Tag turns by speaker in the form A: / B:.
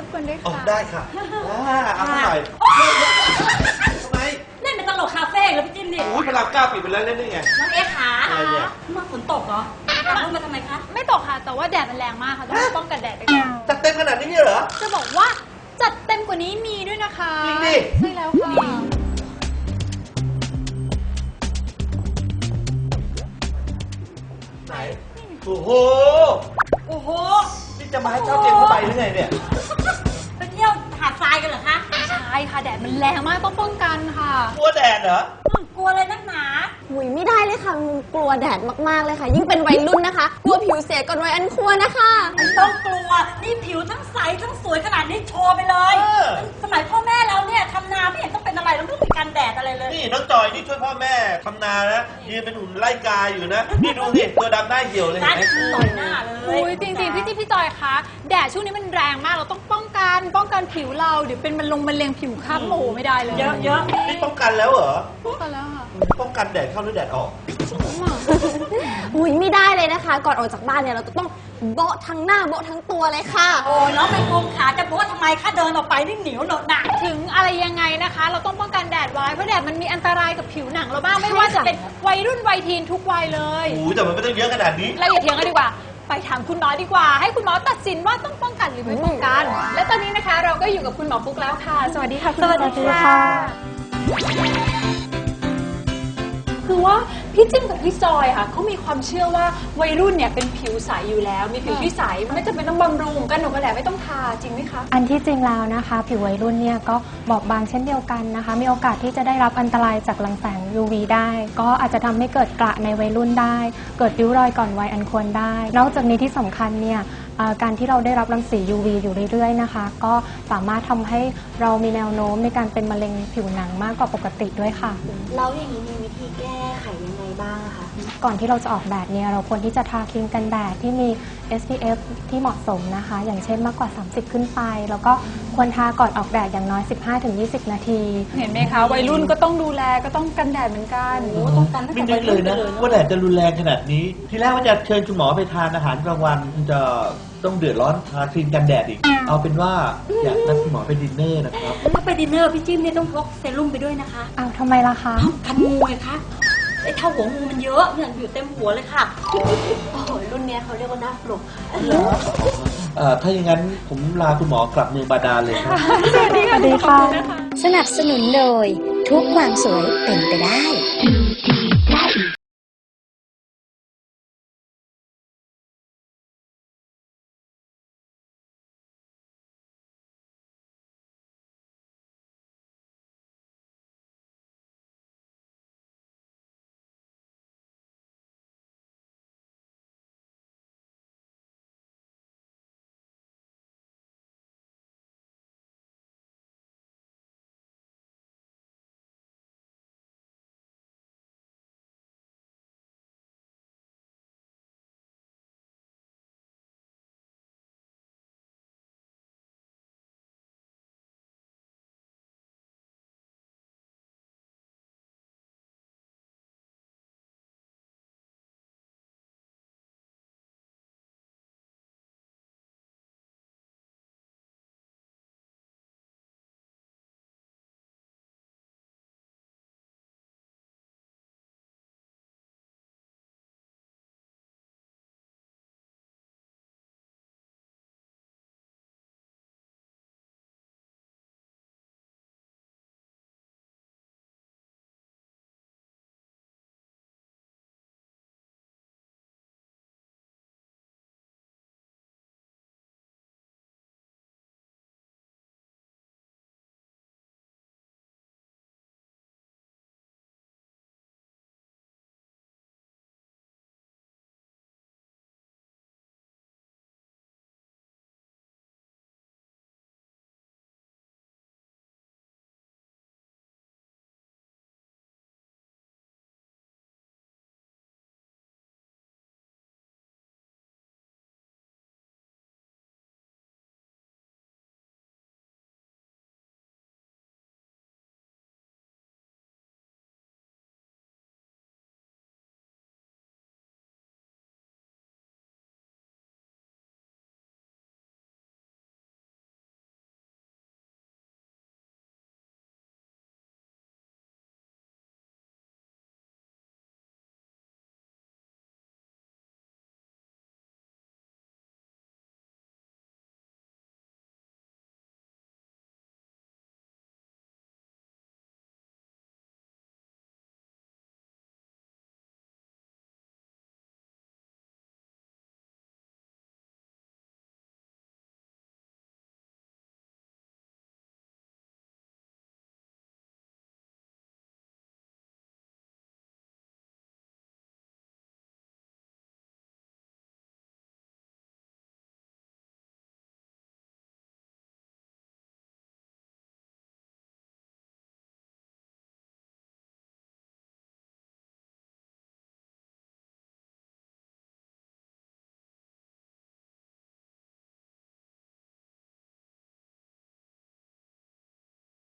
A: กวนด้วย
B: ออก
A: ค่ะ
B: ได้ค่ะเอาหน่อยทำไม
C: เล่นเป็นตลกคาเฟ่แล้วพี่จิ้มดิ
B: อุ้ยพลังกล้าปิดไปแล้วเล่นได้ไง
C: น้องเอ๊ขา
B: อะไรเนี่ย
C: มาฝนตกเหรอมาทำไมคะ
A: ไม่ตกค่ะ แต่ว่าแดดมันแรงมากค่ะ ต้องป้องกันแดดไปก่อน
B: จัดเต็มขนาดนี้เนี่ยเหรอ
A: จะบอกว่าจัดเต็มกว่านี้มีด้วยนะคะ
B: จริงดิ
A: ใช่แล้วค่ะ
B: ไหน โอ้โห
C: โอ้โห
B: นี่จะมาให้เช่าเตียงผ้าใบหรือไงเนี่ย
C: ไปเที่ยวหาดทรายกันเหรอคะ
A: ใช่ค่ะแดดมันแรงมากต้องป้องกันค่ะ
B: กลัวแดดเหรอ
C: กลัวเลยนักหนา
D: หุยไม่ได้เลยค่ะกลัวแดดมากๆเลยค่ะ ยิ่งเป็นวัยรุ่นนะคะกลัวผิวเสียก่อนวัยอันควรนะคะ
C: ไม่ต้องกลัว นี่ผิวทั้งใสทั้งสวยขนาดนี้โชว์ไปเลย สมัยพ่อแม่เราเนี่ยทำนาไม่เห็นต้องเป็นอะไรเราไม่ต้องมีกันแดดอะไรเลย
B: นี่น้องจอยนี่ช่วยพ่อแม่ทำนานะยืนเป็นหุ่นไล่กาอยู่นะ นี่ดูสิตัวดำหน้าเหี่ยวเลย
C: ร้า
B: เห็
C: น
B: นไหม
C: ต่อยหน้าเลย
A: อุ้ยจริงๆพี่จิ๊บพี่จอยคะแดดช่วงนี้มันแรงมากเราต้องป้องกันผิวเราเดี๋ยวเป็นมะเร็งผิวค้ำโอ้โหไม่ได้เลย
C: เยอะ
B: นี่ป้องกันแล้วเหรอ
A: ป้องกันแล้วค่ะ
B: ป้องกันแดดเข้าหรือแดดออก
D: หุยไม่ได้เลยนะคะ ก่อนออกจากบ้านเนี่ยเราจะต้องโบ๊ะทั้งหน้าโบ๊ะทั้งตัวเลยค่ะ
C: โอ้ยน้องเป็นโครงขาจะบอกว่าทำไมคะเดินออกไปนี่เหนียวเหนอะหนัก
A: ถึงอะไรยังไงนะคะ เราต้องป้องกันแดดไว้เพราะแดดมันมีอันตรายกับผิวหนังเราบ้างไม่ว่า
D: ใช่
A: จะ
D: ค่ะ
A: เป็นวัยรุ่นวัยทีนทุกวัยเลย
B: โอ้ยแต่มันไม่ต้องเยอะขนาดนี้
A: เราอย่าเถียงกันดีกว่า ไปถามคุณหมอดีกว่า ให้คุณหมอตัดสินว่าต้องป้องกันหรือไม่ป้องกัน และตอนนี้นะคะเราก็อยู่กับคุณหมอฟุกแล้วค่ะ สวัสดีค่ะคุณหมอ
D: สวัสดีค่ะ
A: คือว่าพี่จิ้มกับพี่จอยค่ะเขามีความเชื่อว่าวัยรุ่นเนี่ยเป็นผิวใสอยู่แล้ว มีผิวที่ใสไม่จำเป็นต้องบำรุงกันหนูกันแดดไม่ต้องทาจริงไหมคะ
E: อันที่จริงแล้วนะคะ ผิววัยรุ่นเนี่ยก็บอบบางเช่นเดียวกันนะคะ มีโอกาสที่จะได้รับอันตรายจากรังแสง UV ได้ ก็อาจจะทำให้เกิดกระในวัยรุ่นได้ เกิดริ้วรอยก่อนวัยอันควรได้ นอกจากนี้ที่สำคัญเนี่ยการที่เราได้รับรังสี UV อยู่เรื่อยๆนะคะ ก็สามารถทำให้เรามีแนวโน้มในการเป็นมะเร็งผิวหนังมากกว่าปกติด้วยค่ะ
D: แล้วอย่างนี้มีวิธีแก้ไขยังไงบ้างคะ
E: ก่อนที่เราจะออกแดดเนี่ยเราควรที่จะทาครีมกันแดดที่มี SPF ที่เหมาะสมนะคะ อย่างเช่นมากกว่า 30 ขึ้นไป แล้วก็ควรทาก่อนออกแดดอย่างน้อย 15-20 นาที
A: เห็นไหมคะวัยรุ่นก็ต้องดูแลก็ต้องกันแดดเหมือนกัน
C: ต้องกันตั้ง
B: ไม่
C: แต่
B: นึกเลยนะว่าแดดจะรุนแรงขนาดนี้ ทีแรกว่าจะเชิญคุณหมอไปทานอาหารกลางวันจะต้องเดือดร้อนทาครีมกันแดดอีก เอาเป็นว่าอยากนัดคุณหมอไปดินเนอร์นะครับ
C: ถ้าไปดินเนอร์พี่จิ้มเนี่ยต้องพกเซรุ่มไปด้วยนะคะ
E: อ้าวทำไมล่ะคะ
C: กันงูไงคะไอ้เท่าหัวงูมันเยอะเนี่ยอยู่เต็มหัวเลยค่ะ
D: โอ้โหรุ่นเนี้ยเขาเรียกว่าหน้าปลุก
B: ถ้าอย่างนั้นผมลาคุณหมอกลับเมืองบาดาลเลยครับ
E: สวัสดีค่ะ
F: สนับสนุนโดยทุกความสวยเป็นไปได้